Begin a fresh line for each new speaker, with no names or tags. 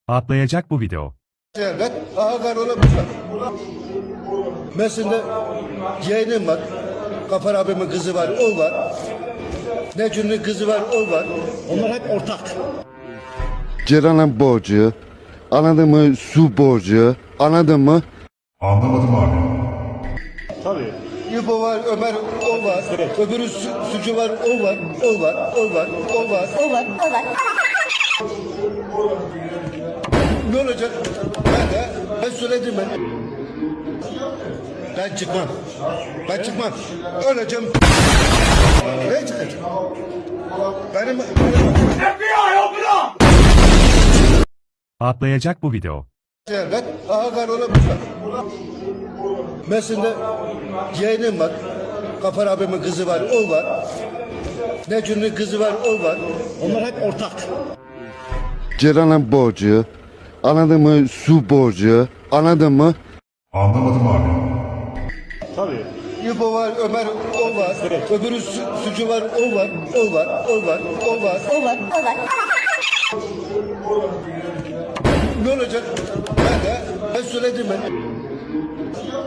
Atlayacak bu video.
Evet, ağalar olabilir. Mesela yeğenim var. Kafar abimin kızı var, o var. Necun'un kızı var, o var.
Onlar hep ortak.
Ceren'in borcu, anladın mı? Su borcu, anladın mı?
Anlamadım abi.
Tabii.
İbo var, Ömer, o var. Öbürü sucu var, o var, o var, o var, o var.
O var, o var.
Ne olacak? Ben söyledim ben. Ben çıkmam. Ben çıkmam. Öleceğim. Ne çıkacak? Benim...
Atlayacak bu video.
Evet, ağalar olabilir. Mesela yeğenim var. Kafar abimin kızı var, o var. Necun'un kızı var, o var.
Onlar hep ortak.
Ceren'in borcu, anladın mı? Su borcu, anladın mı?
Anlamadım abi.
Tabii.
İbo var, Ömer, o var. Öbürü sucu var, o var, o var, o var, o var.
O var, o var.
Ne olacak? Ben söyledim ben.